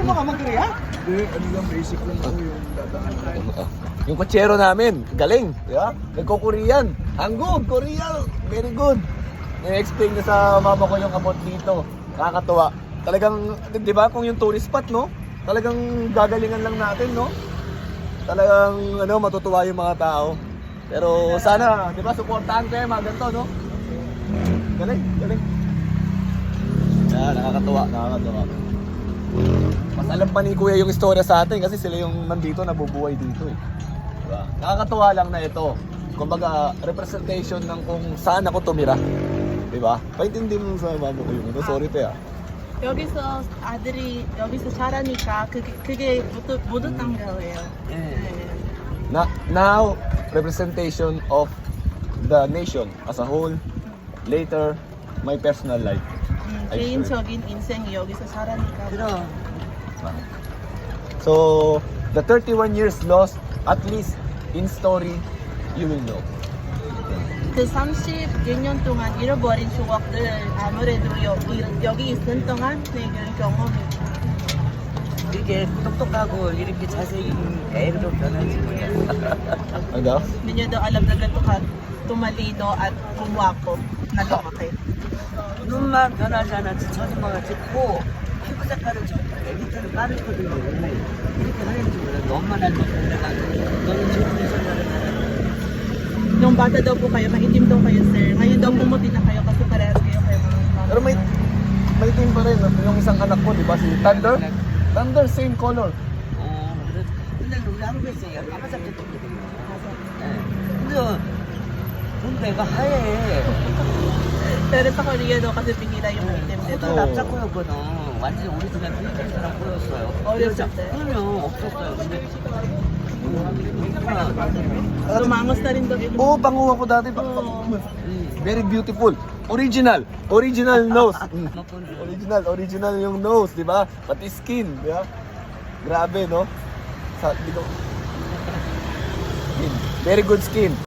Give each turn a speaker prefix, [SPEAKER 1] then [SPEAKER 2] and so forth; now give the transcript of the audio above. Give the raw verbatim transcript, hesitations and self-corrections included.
[SPEAKER 1] mo ka mag-Korea?
[SPEAKER 2] Hindi, ano lang, basic lang ako yung dadaan.
[SPEAKER 3] Yung kutsero namin, galing, di ba? Nagko-Korean. Hanggog, Korean, very good. I-explain na sa mama ko yung about dito. Nakakatuwa. Talagang, di ba, kung yung tourist spot, no? Talagang gagalingan lang natin, no? Talagang, ano, matutuwa yung mga tao. Pero sana, di ba, supportahan kayo mga ganito, no? Galing, galing. Yeah, nakakatuwa, nakakatuwa. Mas alam pa ni Kuya yung istorya sa atin kasi sila yung nandito, nabubuhay dito eh. Diba? Nakakatuwa lang na ito. Kumbaga, representation ng kung saan ako tumira. Diba? Paintindi mo sa mama ko yung ito. Sorry pe ah.
[SPEAKER 4] 여기서 아들이 여기서 자라니까 그게 그게 모두 모두 딴 거예요. 네.
[SPEAKER 3] Na, now, representation of the nation as a whole. Later, my personal life.
[SPEAKER 4] 음,
[SPEAKER 3] I
[SPEAKER 4] 개인적인 인생이 여기서 자라니까.
[SPEAKER 1] Pero,
[SPEAKER 3] So, the thirty-one years lost, at least in story, you will know.
[SPEAKER 4] 그 삼십육 년 동안 잃어버린 추억들 아무래도 여기 여기 있는 동안 내 그런 경험이.
[SPEAKER 1] 이게 똑똑하고 이렇게 자세히 애로 변하지.
[SPEAKER 3] Ano?
[SPEAKER 4] Hindi nyo daw alam na ganito ka tumalino at gumwapo na lumaki.
[SPEAKER 1] 눈만 변하지 않았지 저주마가 짙고 피부 색깔은 좀 애기처럼 빠르거든요. 이렇게 하는지 몰랐는데 엄마는 내가 너는 좋은 여자라는
[SPEAKER 4] Nung bata daw po kayo, maitim daw kayo sir. Ngayon daw pumuti na kayo kasi parehas kayo kayo mga mama.
[SPEAKER 3] Pero may may team pa rin. Yung isang anak ko, di ba? Si Thunder? Thunder, same color.
[SPEAKER 1] 어, 그래. 근데 우리 한국에서 까마잡게 됐거든요. 근데 근데 내가 하얘.
[SPEAKER 4] Pero sa Korea daw kasi bihira yung maitim
[SPEAKER 1] 그것도
[SPEAKER 4] dito.
[SPEAKER 1] 남자 거였거든. 완전히 우리 집에 필리핀 사람 보였어요.
[SPEAKER 4] 어렸을 때?
[SPEAKER 1] 그러면 없었어요. 근데
[SPEAKER 4] Lumangos na rin daw yung
[SPEAKER 3] Oo, panguha ko dati. Pa-
[SPEAKER 4] Oo.
[SPEAKER 3] Very beautiful. Original. Original nose. Mm. Original, original yung nose, di ba? Pati skin, di ba? Grabe, no? Sa, di ko... Skin. Very good skin.